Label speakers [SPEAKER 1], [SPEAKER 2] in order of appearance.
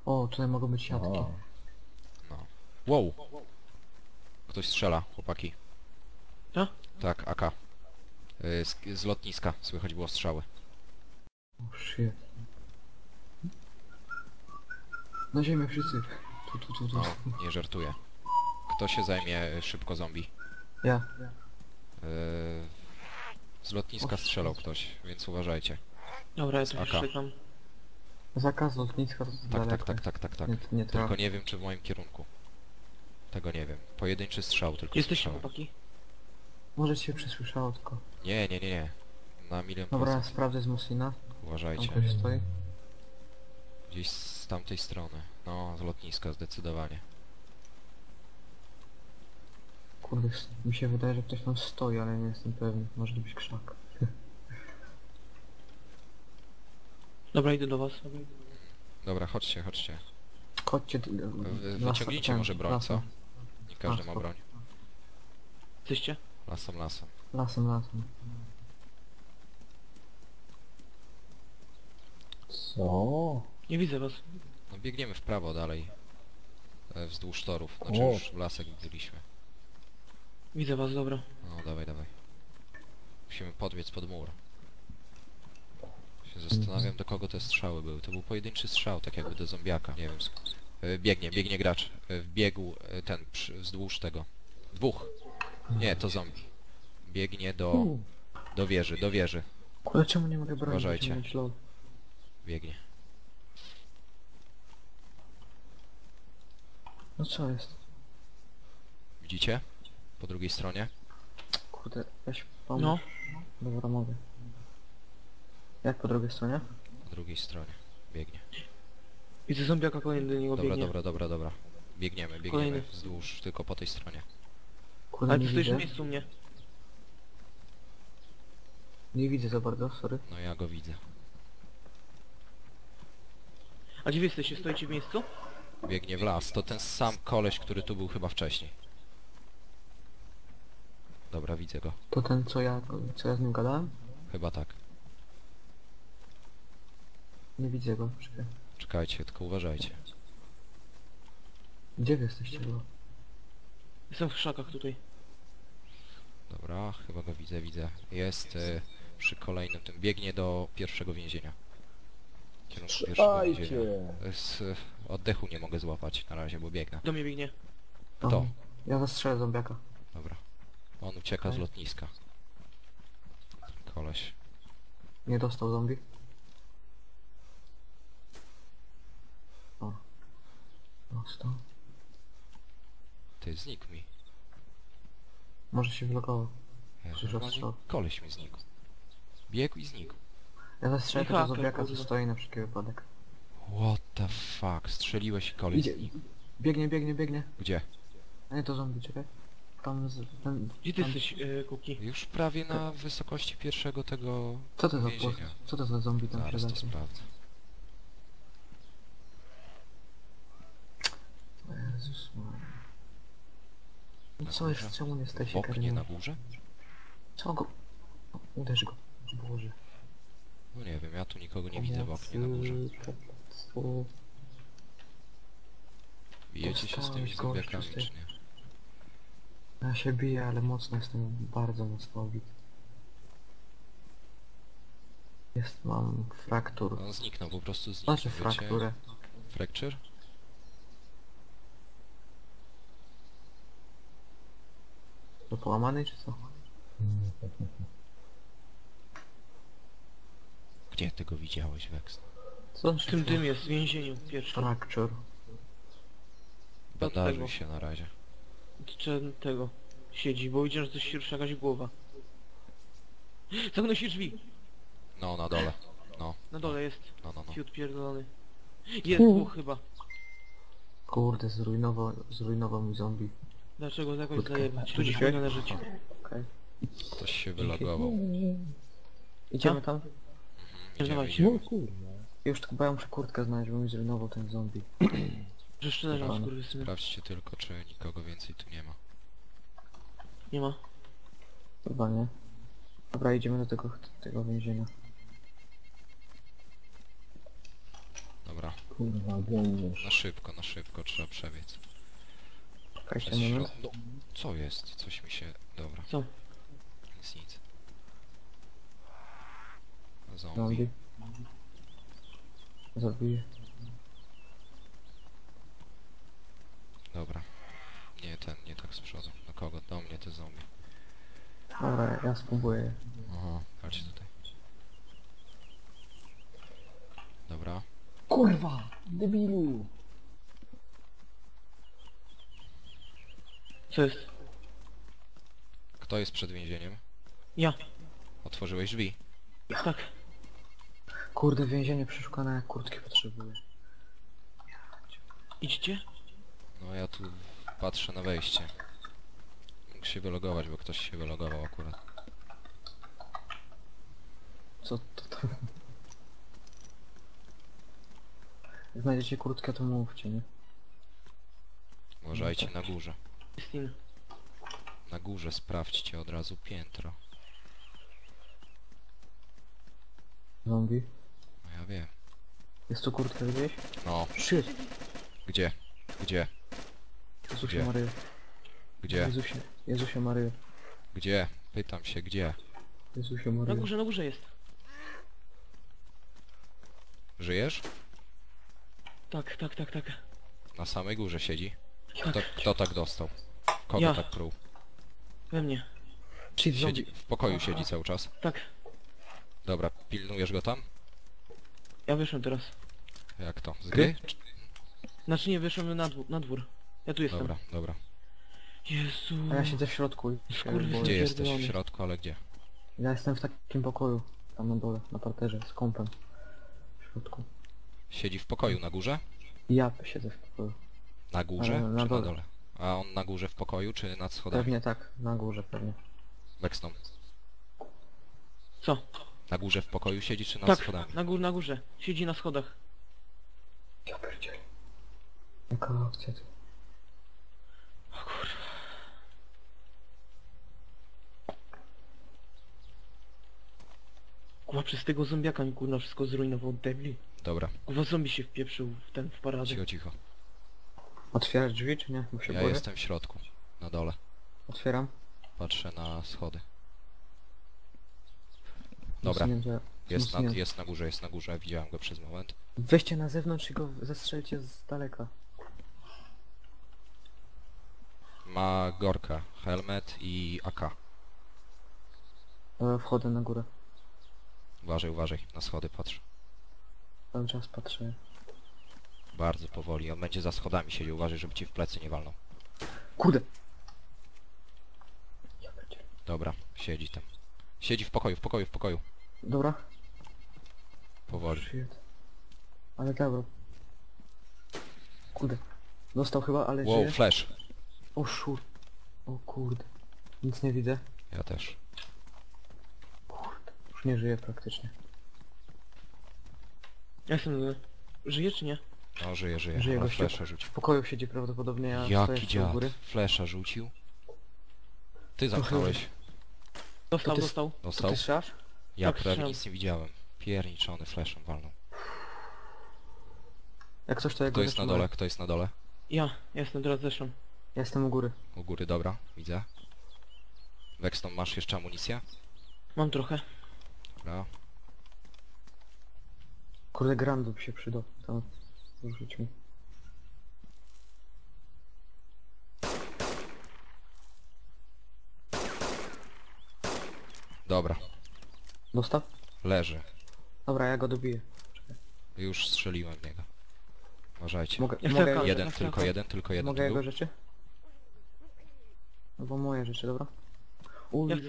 [SPEAKER 1] O, tutaj mogą być siatki.
[SPEAKER 2] O,
[SPEAKER 3] No. Wow! Ktoś strzela, chłopaki.
[SPEAKER 4] Co?
[SPEAKER 3] Tak, AK. Z lotniska słychać było strzały.
[SPEAKER 1] O, shit. Na ziemię wszyscy. Tu.
[SPEAKER 3] No, nie żartuję. Kto się zajmie szybko zombie?
[SPEAKER 1] Ja.
[SPEAKER 3] Z lotniska strzelał ktoś, więc uważajcie.
[SPEAKER 4] Dobra, ja tu
[SPEAKER 3] AK.
[SPEAKER 4] już czekam.
[SPEAKER 1] Zakaz lotniska to
[SPEAKER 3] Tak.
[SPEAKER 1] daleko. Nie
[SPEAKER 3] Tylko
[SPEAKER 1] trafi.
[SPEAKER 3] nie wiem, czy w moim kierunku. Tego nie wiem. Pojedynczy strzał tylko
[SPEAKER 4] Jesteście
[SPEAKER 3] słyszałem.
[SPEAKER 4] chłopaki?
[SPEAKER 1] Może ci się przesłyszało tylko.
[SPEAKER 3] Nie. Na milion
[SPEAKER 1] Dobra,
[SPEAKER 3] procent.
[SPEAKER 1] sprawdzę z Moslina. Tam
[SPEAKER 3] Uważajcie.
[SPEAKER 1] ktoś stoi.
[SPEAKER 3] Gdzieś z tamtej strony. No, z lotniska zdecydowanie.
[SPEAKER 1] Kurde, mi się wydaje, że ktoś tam stoi, ale nie jestem pewien. Może to być krzak.
[SPEAKER 4] Dobra, idę do was.
[SPEAKER 3] Dobra, chodźcie.
[SPEAKER 1] Chodźcie...
[SPEAKER 3] Wyciągnijcie może broń, co? Nie każdy ma
[SPEAKER 1] spoko.
[SPEAKER 3] broń.
[SPEAKER 4] Jesteście?
[SPEAKER 3] Lasem.
[SPEAKER 1] Lasem.
[SPEAKER 2] co?
[SPEAKER 4] Nie widzę was.
[SPEAKER 3] No biegniemy w prawo dalej. Wzdłuż torów. Znaczy
[SPEAKER 2] O.
[SPEAKER 3] już w lasek byliśmy.
[SPEAKER 4] Widzę was, dobra.
[SPEAKER 3] No dawaj. Musimy podbiec pod mur. Się zastanawiam, do kogo te strzały były. To był pojedynczy strzał, tak jakby do zombiaka. Nie wiem. Biegnie gracz. Wbiegł ten wzdłuż tego. Dwóch. Nie, to zombie. Biegnie do wieży.
[SPEAKER 1] Kurde, czemu nie mogę bronić?
[SPEAKER 3] Uważajcie.
[SPEAKER 1] Będziemy mieć load.
[SPEAKER 3] Biegnie.
[SPEAKER 1] No co jest?
[SPEAKER 3] Widzicie? Po drugiej stronie.
[SPEAKER 1] Kurde, weź pomóż.
[SPEAKER 4] No.
[SPEAKER 1] Dobra, mogę. Jak po drugiej stronie?
[SPEAKER 3] Po drugiej stronie. Biegnie.
[SPEAKER 4] Widzę zombiaka, kolejny do niego biegnie.
[SPEAKER 3] Dobra. Biegniemy
[SPEAKER 4] Kolejny.
[SPEAKER 3] wzdłuż, tylko po tej stronie.
[SPEAKER 1] Kurde,
[SPEAKER 4] Ale
[SPEAKER 1] nie
[SPEAKER 4] ty stoisz w
[SPEAKER 1] widzę.
[SPEAKER 4] miejscu mnie.
[SPEAKER 1] Nie widzę za bardzo, sorry.
[SPEAKER 3] No ja go widzę.
[SPEAKER 4] A gdzie wy jesteście? Stoicie w miejscu?
[SPEAKER 3] Biegnie w las. To ten sam koleś, który tu był chyba wcześniej. Dobra, widzę go.
[SPEAKER 1] To ten, co ja z nim gadałem?
[SPEAKER 3] Chyba tak.
[SPEAKER 1] Nie widzę go, czekaj.
[SPEAKER 3] Czekajcie, tylko uważajcie.
[SPEAKER 1] Gdzie wy jesteście go?
[SPEAKER 4] Jestem w krzakach tutaj.
[SPEAKER 3] Dobra, chyba go widzę. Jest przy kolejnym tym. Biegnie do pierwszego więzienia. W kierunku pierwszego więzienia.
[SPEAKER 2] Strzelajcie!
[SPEAKER 3] Z oddechu nie mogę złapać na razie, bo biegnę.
[SPEAKER 4] Do mnie biegnie.
[SPEAKER 3] Kto?
[SPEAKER 1] Ja zastrzelę zombiaka.
[SPEAKER 3] Dobra. On ucieka z lotniska. Koleś.
[SPEAKER 1] Nie dostał zombie. O. Dostał.
[SPEAKER 3] Ty, znikł mi.
[SPEAKER 1] Może się wylogował.
[SPEAKER 3] Jezu,
[SPEAKER 1] Słyszę
[SPEAKER 3] normalnie
[SPEAKER 1] strzał.
[SPEAKER 3] koleś mi znikł. Biegł i znikł.
[SPEAKER 1] Ja zastrzelę
[SPEAKER 4] Haker,
[SPEAKER 1] tego zombiaka, co
[SPEAKER 4] kurde.
[SPEAKER 1] stoi na wszelki wypadek.
[SPEAKER 3] What the fuck? Strzeliłeś i koleś
[SPEAKER 1] Idzie.
[SPEAKER 3] znikł.
[SPEAKER 1] Biegnie.
[SPEAKER 3] Gdzie?
[SPEAKER 1] A nie, to zombie, czekaj. Tam ten...
[SPEAKER 4] Gdzie ty
[SPEAKER 1] tam...
[SPEAKER 4] jesteś, Kuki?
[SPEAKER 3] Już prawie na wysokości pierwszego tego
[SPEAKER 1] Co to za
[SPEAKER 3] więzienia.
[SPEAKER 1] Co to za zombie tam się
[SPEAKER 3] Zaraz to
[SPEAKER 1] zacznie?
[SPEAKER 3] sprawdzę.
[SPEAKER 1] Jezus Maria. No
[SPEAKER 3] Na
[SPEAKER 1] co
[SPEAKER 3] górze?
[SPEAKER 1] jest? Czemu nie staje
[SPEAKER 3] W
[SPEAKER 1] się
[SPEAKER 3] oknie na
[SPEAKER 1] karmią?
[SPEAKER 3] górze?
[SPEAKER 1] Co go? O, uderz go. Boże.
[SPEAKER 3] No nie wiem, ja tu nikogo nie widzę w oknie na górze.
[SPEAKER 1] O,
[SPEAKER 3] Bijecie się z tymi
[SPEAKER 1] Dostałeś,
[SPEAKER 3] zombiakami,
[SPEAKER 1] gościu, z
[SPEAKER 3] czy nie?
[SPEAKER 1] ja się biję, ale mocno jestem, bardzo mocno obity. Mam fraktur.
[SPEAKER 3] On zniknął, po prostu zniknął,
[SPEAKER 1] Znaczy
[SPEAKER 3] wiecie?
[SPEAKER 1] frakturę.
[SPEAKER 3] Fracture?
[SPEAKER 1] To połamany czy co?
[SPEAKER 3] Gdzie ty go widziałeś, Vex?
[SPEAKER 1] Co
[SPEAKER 4] W tym dym jest, w więzieniu pierwszym.
[SPEAKER 1] Fracture.
[SPEAKER 3] Bandażuj
[SPEAKER 4] tego.
[SPEAKER 3] się na razie.
[SPEAKER 4] Czy tego siedzi, bo widziałem, że coś się rusza jakaś głowa. Zamknął się drzwi.
[SPEAKER 3] No, na dole. No,
[SPEAKER 4] Na dole jest.
[SPEAKER 3] no.
[SPEAKER 4] Fiut pierdolony. Jest dwóch chyba.
[SPEAKER 1] Kurde, zrujnował mi zombie.
[SPEAKER 4] Dlaczego jakoś
[SPEAKER 1] Krótko.
[SPEAKER 4] zajebać? Tu gdzieś
[SPEAKER 1] Dzisiaj?
[SPEAKER 4] powinno leżeć.
[SPEAKER 1] Okej.
[SPEAKER 3] Ktoś się wylogował.
[SPEAKER 1] Idziemy tam?
[SPEAKER 4] Dawajcie.
[SPEAKER 2] No kurwa.
[SPEAKER 1] Już tylko ja muszę kurtkę znaleźć, bo mi zrujnował ten zombie.
[SPEAKER 4] Że jeszcze leżą
[SPEAKER 1] Dobra.
[SPEAKER 4] skurwysyny.
[SPEAKER 3] Sprawdźcie tylko, czy nikogo więcej tu nie ma.
[SPEAKER 4] Nie ma.
[SPEAKER 1] Chyba nie. Dobra, idziemy do tego więzienia.
[SPEAKER 3] Dobra, Dobra.
[SPEAKER 2] Kurwa, biegniesz.
[SPEAKER 3] Na szybko trzeba przebiec.
[SPEAKER 1] Czekajcie
[SPEAKER 3] Przez
[SPEAKER 1] moment.
[SPEAKER 3] środ... No, co jest? Coś mi się... Dobra.
[SPEAKER 4] Co?
[SPEAKER 3] Nic. Zombie.
[SPEAKER 1] Zombie. Zabiję.
[SPEAKER 3] Dobra. Nie tak z przodu. Do kogo? Do mnie te zombie.
[SPEAKER 1] Dobra, ja spróbuję.
[SPEAKER 3] Aha, chodź tutaj. Dobra.
[SPEAKER 2] Kurwa! Debilu!
[SPEAKER 4] Co jest?
[SPEAKER 3] Kto jest przed więzieniem?
[SPEAKER 4] Ja.
[SPEAKER 3] Otworzyłeś drzwi?
[SPEAKER 4] Tak.
[SPEAKER 1] Kurde, więzienie przeszukane, jak kurtki potrzebuję.
[SPEAKER 4] Idźcie?
[SPEAKER 3] No ja tu patrzę na wejście. Mógł się wylogować, bo ktoś się wylogował akurat.
[SPEAKER 1] Co to tam? Jak znajdziecie kurtkę, to mówcie, nie?
[SPEAKER 3] Uważajcie na górze.
[SPEAKER 4] Christine.
[SPEAKER 3] Na górze sprawdźcie od razu piętro.
[SPEAKER 1] Zombie.
[SPEAKER 3] No ja wiem.
[SPEAKER 1] Jest tu kurtka gdzieś?
[SPEAKER 3] No,
[SPEAKER 1] Shit!
[SPEAKER 3] gdzie? Gdzie?
[SPEAKER 1] Jezusie
[SPEAKER 3] Gdzie?
[SPEAKER 1] Maryjo.
[SPEAKER 3] Gdzie?
[SPEAKER 1] Jezusie Maryjo.
[SPEAKER 3] Gdzie? Pytam się, gdzie?
[SPEAKER 1] Jezusie
[SPEAKER 4] Na
[SPEAKER 1] Maryjo.
[SPEAKER 4] górze jest.
[SPEAKER 3] Żyjesz?
[SPEAKER 4] Tak.
[SPEAKER 3] Na samej górze siedzi.
[SPEAKER 4] Tak.
[SPEAKER 3] Kto tak dostał? Kogo
[SPEAKER 4] Ja.
[SPEAKER 3] tak pruł?
[SPEAKER 4] We mnie.
[SPEAKER 1] Shit,
[SPEAKER 3] Siedzi,
[SPEAKER 1] zombie.
[SPEAKER 3] w pokoju siedzi cały czas.
[SPEAKER 4] Tak.
[SPEAKER 3] Dobra, pilnujesz go tam?
[SPEAKER 4] Ja wyszłem teraz.
[SPEAKER 3] Jak to? Z gry?
[SPEAKER 4] Znaczy nie, wyszłem na dwór. Ja tu jestem.
[SPEAKER 3] Dobra.
[SPEAKER 4] Jezu.
[SPEAKER 1] A ja siedzę w środku i się
[SPEAKER 4] Skurwysyn.
[SPEAKER 1] boję.
[SPEAKER 3] Gdzie jesteś? W
[SPEAKER 4] Pierdolony.
[SPEAKER 3] środku, ale gdzie?
[SPEAKER 1] Ja jestem w takim pokoju. Tam na dole, na parterze, z kąpem. W środku.
[SPEAKER 3] Siedzi w pokoju na górze?
[SPEAKER 1] I ja siedzę w pokoju.
[SPEAKER 3] Na górze
[SPEAKER 1] Ale na
[SPEAKER 3] czy
[SPEAKER 1] dole.
[SPEAKER 3] na dole? A on na górze w pokoju czy nad schodami?
[SPEAKER 1] Pewnie tak, na górze pewnie.
[SPEAKER 3] Backstone.
[SPEAKER 4] Co?
[SPEAKER 3] Na górze w pokoju siedzi czy nad
[SPEAKER 4] Tak,
[SPEAKER 3] schodami?
[SPEAKER 4] na górze. Siedzi na schodach.
[SPEAKER 1] Ja pierdzielę. Jaka akcja tu?
[SPEAKER 4] Kurwa, przez tego zombiaka mi kurwa wszystko zrujnował, debli.
[SPEAKER 3] Dobra,
[SPEAKER 4] Kurwa, zombie się wpieprzył w paradę.
[SPEAKER 3] cicho.
[SPEAKER 1] Otwierać drzwi czy nie? Bo się
[SPEAKER 3] Ja
[SPEAKER 1] boję.
[SPEAKER 3] jestem w środku, na dole.
[SPEAKER 1] Otwieram.
[SPEAKER 3] Patrzę na schody. Dobra,
[SPEAKER 1] Wsunięte- wsunięte.
[SPEAKER 3] jest na górze, widziałem go przez moment.
[SPEAKER 1] Weźcie na zewnątrz i go zestrzelcie z daleka.
[SPEAKER 3] Ma Gorka, helmet i AK.
[SPEAKER 1] Wchodzę na górę.
[SPEAKER 3] Uważaj, na schody patrz.
[SPEAKER 1] Cały czas patrzę.
[SPEAKER 3] Bardzo powoli, on będzie za schodami siedział, uważaj, żeby ci w plecy nie walnął.
[SPEAKER 1] Kurde! Ja pierdzielę.
[SPEAKER 3] Dobra, siedzi tam. Siedzi w pokoju.
[SPEAKER 1] Dobra.
[SPEAKER 3] Powoli.
[SPEAKER 1] Shit. Ale dobra. Kurde. Dostał chyba, ale
[SPEAKER 3] Wow,
[SPEAKER 1] żyje.
[SPEAKER 3] flash.
[SPEAKER 1] O szur. O kurde. Nic nie widzę.
[SPEAKER 3] Ja też.
[SPEAKER 1] Kurde. Już nie żyje praktycznie.
[SPEAKER 4] Ja jestem... Żyje czy nie?
[SPEAKER 3] No, żyje,
[SPEAKER 1] Żyje
[SPEAKER 3] ale
[SPEAKER 1] gościu.
[SPEAKER 3] flasha rzucił.
[SPEAKER 1] W pokoju siedzi prawdopodobnie, ja stoję
[SPEAKER 3] Jaki
[SPEAKER 1] jeszcze u
[SPEAKER 3] dziad.
[SPEAKER 1] góry.
[SPEAKER 3] Flasha rzucił. Ty zamknąłeś.
[SPEAKER 4] Dostał,
[SPEAKER 1] ty-
[SPEAKER 4] dostał.
[SPEAKER 1] To
[SPEAKER 3] Dostał?
[SPEAKER 1] ty strzelasz?
[SPEAKER 3] Ja
[SPEAKER 4] Tak,
[SPEAKER 3] prawie
[SPEAKER 4] strzelam.
[SPEAKER 3] nic nie widziałem. Pierniczony flashem walnął.
[SPEAKER 1] Jak coś to ja
[SPEAKER 3] Kto
[SPEAKER 1] go
[SPEAKER 3] jest na
[SPEAKER 1] zatrzymuję.
[SPEAKER 3] dole? Kto jest na dole?
[SPEAKER 4] Ja jestem teraz zeszłam.
[SPEAKER 1] Ja jestem u góry.
[SPEAKER 3] U góry, dobra, widzę. Wexton, masz jeszcze amunicję?
[SPEAKER 4] Mam trochę.
[SPEAKER 3] Dobra.
[SPEAKER 1] Kurde, grandu by się przydał. To rzuć mi.
[SPEAKER 3] Dobra,
[SPEAKER 1] Dostał?
[SPEAKER 3] leży.
[SPEAKER 1] Dobra, ja go dobiję.
[SPEAKER 3] Już strzeliłem w niego. Uważajcie.
[SPEAKER 1] Mogę,
[SPEAKER 4] Ja
[SPEAKER 1] mogę,
[SPEAKER 4] chcę
[SPEAKER 3] Jeden,
[SPEAKER 4] Ja chcę
[SPEAKER 3] tylko
[SPEAKER 4] AK.
[SPEAKER 3] jeden, tylko jeden
[SPEAKER 1] mogę
[SPEAKER 3] tu
[SPEAKER 1] jego
[SPEAKER 3] był.
[SPEAKER 1] rzeczy? Albo moje rzeczy, dobra?
[SPEAKER 4] Ja